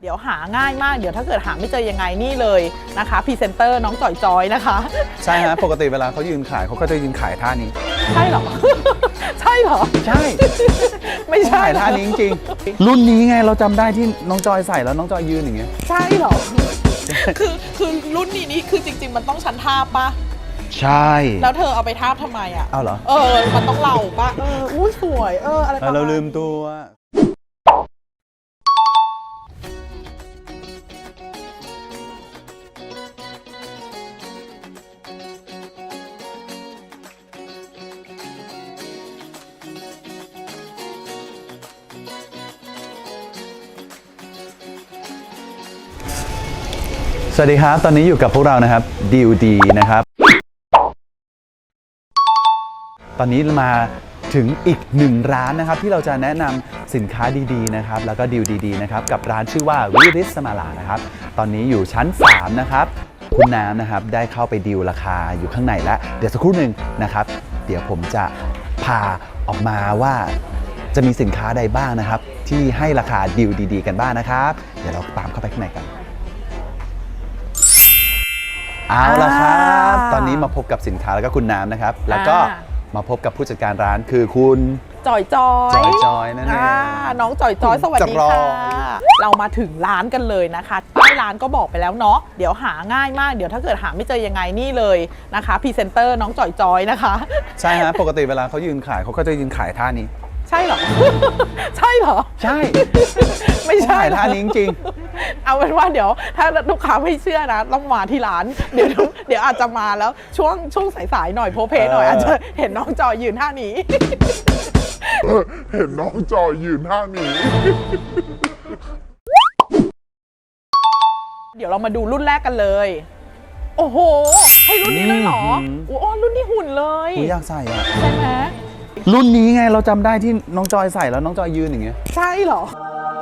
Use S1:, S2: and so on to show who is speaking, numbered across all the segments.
S1: เดี๋ยวหาง่ายมากเดี๋ยวถ้าเกิดหาไม่เจอยังไงนี่เลยนะคะพรีเซนเตอร์น้องจ่อยจอยนะคะ
S2: ใช่ฮะปกติเวลาเขายืนขายเขาก็จะยืนขายท่านี้
S1: ใช่เหรอ ใช่เหรอ
S2: ใช่
S1: ไม่ใช่
S2: ท่านี้จริงๆรุ่นนี้ไงเราจำได้ที่น้องจอยใส่แล้วน้องจอยยืนอย่างเงี้ย
S1: ใช่เหรอ คือรุ่นนี้คือจริงๆมันต้องชั้นทาบปะ
S2: ใช่
S1: แล้วเธอเอาไปทาบทำไมอ่ะ
S2: เอาเหรอ
S1: มันต้องเหล่าปะอุ้ยสวยอะไรประมาณ
S2: เราลืมตัวสวัสดีครับตอนนี้อยู่กับพวกเรานะครับดิวดีนะครับตอนนี้มาถึงอีกหนึ่งร้านนะครับที่เราจะแนะนำสินค้าดีๆนะครับแล้วก็ดีลดีๆนะครับกับร้านชื่อว่าวิริสสมาลานะครับตอนนี้อยู่ชั้น3นะครับคุณน้ำนะครับได้เข้าไปดีลราคาอยู่ข้างในแล้วเดี๋ยวสักครู่หนึ่งนะครับเดี๋ยวผมจะพาออกมาว่าจะมีสินค้าใดบ้างนะครับที่ให้ราคาดีลดีๆกันบ้างนะครับเดี๋ยวเราตามเข้าไปข้างในกันเอาละครับตอนนี้มาพบกับสินค้าแล้วก็คุณน้ำนะครับแล้วก็มาพบกับผู้จัดการร้านคือคุณ
S1: จอย
S2: นั่นเอง
S1: น้องจอยสวัสดีค่ะเรามาถึงร้านกันเลยนะคะป้ายร้านก็บอกไปแล้วเนาะเดี๋ยวหาง่ายมากเดี๋ยวถ้าเกิดหาไม่เจอยังไงนี่เลยนะคะพรีเซนเตอร์น้องจอยนะคะ
S2: ใช่ฮะปกติเวลาเขายืนขายเขาก็จะยืนขายท่านี้
S1: ใช่เหรอ ใช่เหรอ
S2: ใช่
S1: ไม่ใช่
S2: ท่านี้จริง
S1: เอาเป็นว่าเดี๋ยวถ้าลูกค้าไม่เชื่อนะต้องมาที่ร้านเดี๋ยวอาจจะมาแล้วช่วงสายๆหน่อยโพเพหน่อยอาจจะเห็นน้องจอยยืนท่านี้
S3: เห็นน้องจอยยืนท่านี้
S1: เดี๋ยวเรามาดูรุ่นแรกกันเลยโอ้โหให้รุ่นนี้เลยเหรอโอ้รุ่นนี้หุ่นเลย
S2: อยากใส่อะ
S1: ใช่ไหม
S2: รุ่นนี้ไงเราจำได้ที่น้องจอยใส่แล้วน้องจอยยืนอย่างเงี้ย
S1: ใช่เหรอ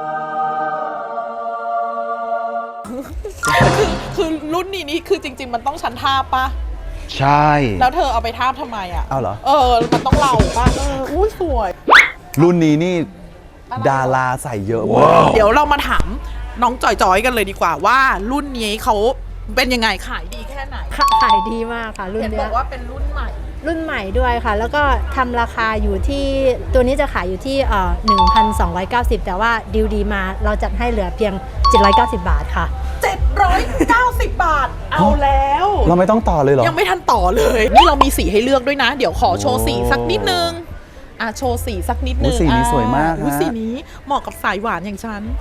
S1: คือรุ่นนี้คือจริงๆมันต้องชั้นทาบปะ
S2: ใช่
S1: แล้วเธอเอาไปทาบทำไมอ่ะ
S2: เอาเหรอ
S1: มันต้องเหล่าปะอุ้ยสวย
S2: รุ่นนี้นี่ดาราใส่เยอะมาก
S1: เดี๋ยวเรามาถามน้องจอยกันเลยดีกว่าว่ารุ่นนี้เขาเป็นยังไงขายดีแค่ไหน
S4: ขายดีมากค่ะรุ่นนี้
S1: บอกว่าเป็นรุ่นใหม่
S4: ด้วยค่ะแล้วก็ทำราคาอยู่ที่ตัวนี้จะขายอยู่ที่1,290 แต่ว่าดีลดีมาเราจัดให้เหลือเพียง790 บาทค่ะ
S1: 790 บาทเอาแล้ว
S2: เราไม่ต้องต่อเลยเหรอ
S1: ยังไม่ทันต่อเลยนี่เรามีสีให้เลือกด้วยนะเดี๋ยวขอโชว์สีสักนิดนึงโชว์สีสักนิดนึง
S2: สีนี้สวยมาก
S1: สีนี้เหมาะกับสายหวานอย่างฉัน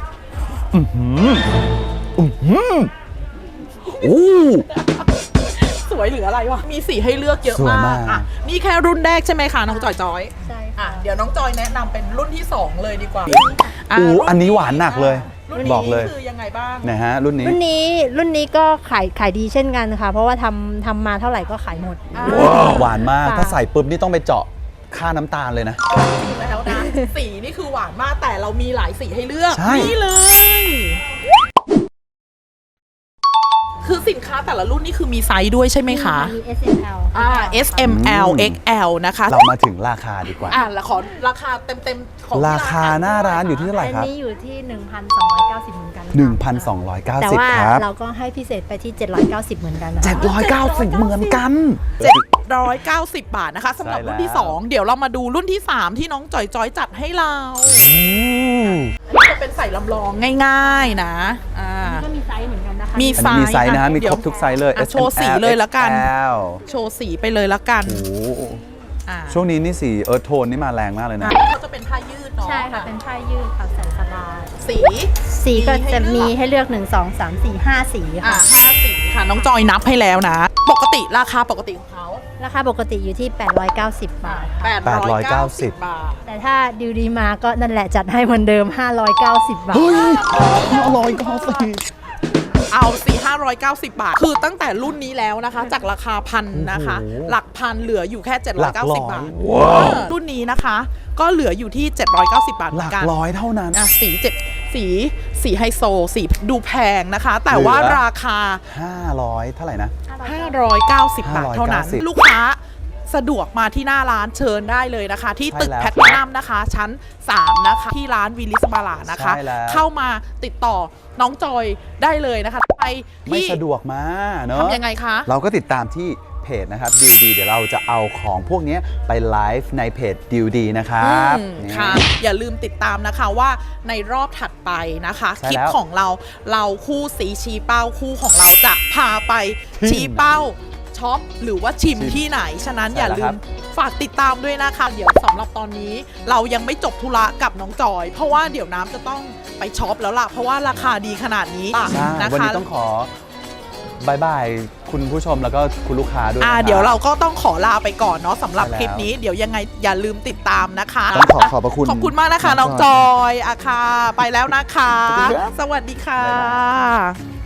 S1: สวยหรืออะไรวะมีสีให้เลือกเยอะมากนี่แค่รุ่นแรกใช่ไหมคะน้องจอย
S4: ใช่ค่ะ
S1: เดี๋ยวน้องจอยแนะนำเป็นรุ่นที่2เลยดีกว่า
S2: อันนี้หวานหนักเลยบอกเลย
S1: คือยังไงบ้าง
S2: นะฮะรุ่น
S4: นี้ก็ขายดีเช่นกันค่ะเพราะว่าทำมาเท่าไหร่ก็ขายหมด
S2: หวานมากถ้าใส่ปุ๊บนี่ต้องไปเจาะค่าน้ำตาลเลยนะ
S1: จริงแล้วนะสีนี่คือหวานมากแต่เรามีหลายสีให้เลือกนี่เลยคือสินค้าแต่ละรุ่นนี่คือมีไซส์ด้วยใช่ไหมคะ
S4: มี SML
S1: S M L X L นะคะ
S2: เรามาถึงราคาดีกว่า
S1: แล้วขอราคาเต็มของ
S2: ราคาหน้าร้านอยู่ที่เท่าไหร่ครับ
S4: อันนี้อยู่ที่ 1,290 เหมือนกัน
S2: 1,290
S4: แต่ว่าเราก็ให้พิเศษไปที่790เหมือนกัน
S2: 790เหมือนกัน
S1: 790 บาทนะคะสำหรับรุ่นที่2เดี๋ยวเรามาดูรุ่นที่3ที่น้องจอยจัดให้เราจะเป็นใส่ลำลองง่ายๆนะ
S4: ก็มีไซส์เหมือนกันนะคะ
S1: มีไซส์
S2: นะมีครบทุกไซส์เลย
S1: โชว์สีเลยแล้วกันโชว์สีไปเลยแล้วกัน
S2: ช่วงนี้นี่สีโทนนี่มาแรงมากเลยนะ
S1: เขาจะเป็นผ้ายืดเนาะ
S4: ใช่ค่ะเป็นผ้ายืดค่ะใส่สบาย
S1: สี
S4: ก็จะมีให้เลือก1 2 3 4 5สีค่ะ
S1: 5สีค่ะน้องจอยนับให้แล้วนะปกติราคาปกติของเขา
S4: ราคาปกติอยู่ที่890 บาท
S1: 890 บาท
S4: แต่ถ้าดิวดีมาก็นั่นแหละจัดให้เหมือนเดิม590 บาท
S2: เฮ้ย590
S1: เอา590 บาทคือตั้งแต่รุ่นนี้แล้วนะคะจากราคาพันนะคะหลักพันเหลืออยู่แค่790 บาทรุ่นนี้นะคะก็เหลืออยู่ที่790 บาท
S2: หลักร้อยเท่านั้น
S1: สีไฮโซสีดูแพงนะคะแต่ว่าราคา
S2: 500เท่าไหร่นะ
S1: 590 บาทเท่านั้นลูกค้าสะดวกมาที่หน้าร้านเชิญได้เลยนะคะ ที่ตึก
S2: ใช่แล้ว
S1: แพลตินัมนะคะ ชั้น 3 นะคะ ที่ร้านวิลลิสมาลานะคะ
S2: ใช่แล้ว
S1: เข้ามาติดต่อน้องจอยได้เลยนะคะไป
S2: ไม่
S1: ที่
S2: สะดวกมาเนอะ
S1: ทำยังไงคะ
S2: เราก็ติดตามที่เพจนะครับดิวดีเดี๋ยวเราจะเอาของพวกนี้ไปไลฟ์ในเพจดิวดีนะครับ นี่
S1: ค่ะ อย่าลืมติดตามนะคะว่าในรอบถัดไปนะคะ
S2: ใช่
S1: คลิป
S2: แล้ว
S1: ของเราคู่สีชี้เป้าคู่ของเราจะพาไป
S2: ที่
S1: ชี้เป้าช็อปหรือว่าชิม
S2: ชิม
S1: ที่ไหน ฉะนั้น
S2: ใช่
S1: อย่า
S2: แล้ว
S1: ลื
S2: ครั
S1: ม
S2: บ
S1: ฝากติดตามด้วยนะคะ เดี๋ยวสำหรับตอนนี้เรายังไม่จบธุระกับน้องจอย เพราะว่าเดี๋ยวน้ำจะต้องไปช็อปแล้วล่ะ เพราะว่าราคาดีขนาดนี้
S2: ใช่
S1: นะ
S2: วัน
S1: คะ
S2: นี้ต้องขอบายบายคุณผู้ชมแล้วก็คุณลูกค้าด้วยนะครับ
S1: เดี๋ยวเราก็ต้องขอลาไปก่อนเนาะสำหรับ
S2: ใช่แล้ว
S1: คลิปนี้เดี๋ยวยังไงอย่าลืมติดตามนะคะ
S2: ต้องขอบพระคุณ
S1: ขอบคุณมากนะคะ น้องจอยอะค่ะ ไปแล้วนะคะ
S2: สวัสดีครับ
S1: สวัสดีค่ะ
S2: บ๊ายบาย